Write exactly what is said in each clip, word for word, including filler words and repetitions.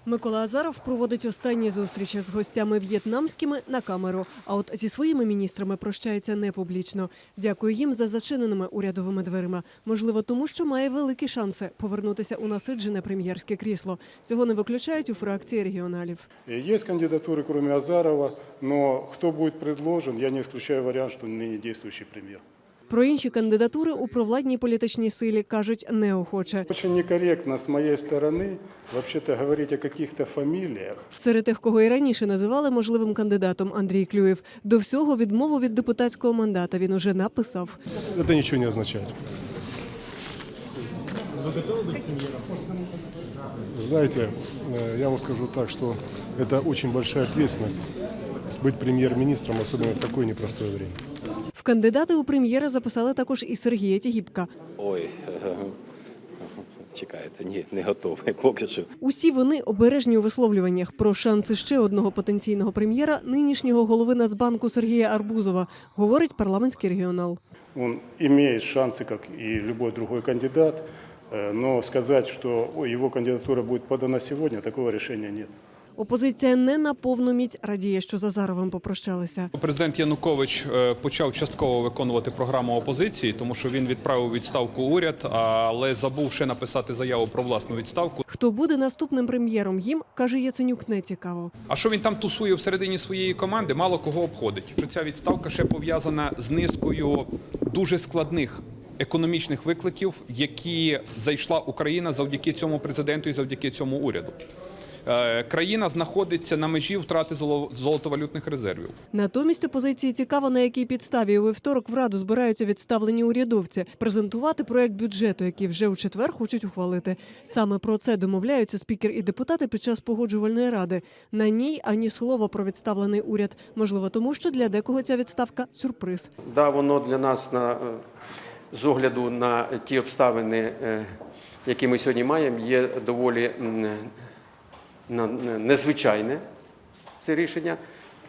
Микола Азаров проводить останні зустрічі з гостями в'єтнамськими на камеру, а от зі своїми міністрами прощається не публічно. Дякую їм за зачиненими урядовими дверима. Можливо, тому що має великі шанси повернутися у насиджене прем'єрське крісло. Цього не виключають у фракції регіоналів. Є кандидатури, крім Азарова, але хто буде предложений, я не виключаю варіант, що нині діючий прем'єр. Про інші кандидатури у провладній політичній силі кажуть неохоче. Дуже некоректно з моєї сторони взагалі говорити о якихось фаміліях. Серед тих, кого і раніше називали можливим кандидатом, Андрій Клюєв. До всього відмову від депутатського мандата він уже написав. Це нічого не означає. Знаете, я вам скажу так, что это очень большая ответственность быть премьер-министром, особенно в такое непростое время. В кандидати у прем'єра записали також і Сергія Тігіпка. Ой, чекайте, ні, не готовий поки що. Усі вони обережні у висловлюваннях про шанси ще одного потенційного прем'єра, нинішнього голови Нацбанку Сергія Арбузова, говорить парламентський регіонал. Він має шанси, як і будь-який інший кандидат, але сказати, що його кандидатура буде подана сьогодні, такого рішення немає. Опозиція не на повну міць радіє, що з Азаровим попрощалися. Президент Янукович почав частково виконувати програму опозиції, тому що він відправив відставку уряд, але забув ще написати заяву про власну відставку. Хто буде наступним прем'єром, їм, каже Яценюк, не цікаво. А що він там тусує всередині своєї команди, мало кого обходить. Ця відставка ще пов'язана з низкою дуже складних економічних викликів, які зайшла Україна завдяки цьому президенту і завдяки цьому уряду. Країна знаходиться на межі втрати золотовалютних резервів. Натомість опозиції цікаво, на якій підставі у вівторок в Раду збираються відставлені урядовці презентувати проект бюджету, який вже у четвер хочуть ухвалити. Саме про це домовляються спікер і депутати під час погоджувальної ради. На ній ані слова про відставлений уряд. Можливо, тому що для декого ця відставка – сюрприз. Да, воно для нас, на, з огляду на ті обставини, які ми сьогодні маємо, є доволі незвичайне це рішення.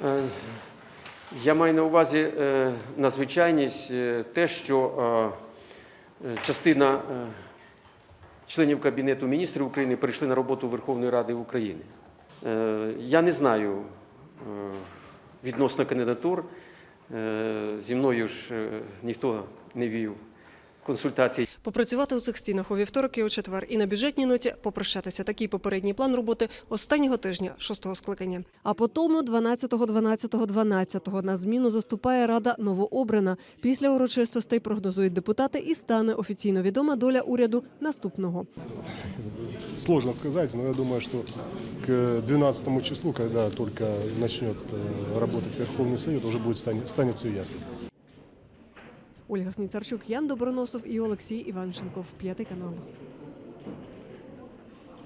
Я маю на увазі надзвичайність те, що частина членів Кабінету міністрів України прийшли на роботу Верховної Ради України. Я не знаю відносно кандидатур, зі мною ж ніхто не вів консультацій. Попрацювати у цих стінах у вівторок і у четвер. І на бюджетній ноті попрощатися. Такий попередній план роботи останнього тижня шостого скликання. А потім дванадцятого дванадцятого дванадцятого на зміну заступає Рада новообрана. Після урочистостей прогнозують депутати і стане офіційно відома доля уряду наступного. Сложно сказать, но я думаю, что к двенадцатому числу, когда только начнет работать Верховный Совет, уже будет станет, станет все ясно. Ольга Сніцарчук, Ян Доброносов і Олексій Іванченков. П'ятий канал.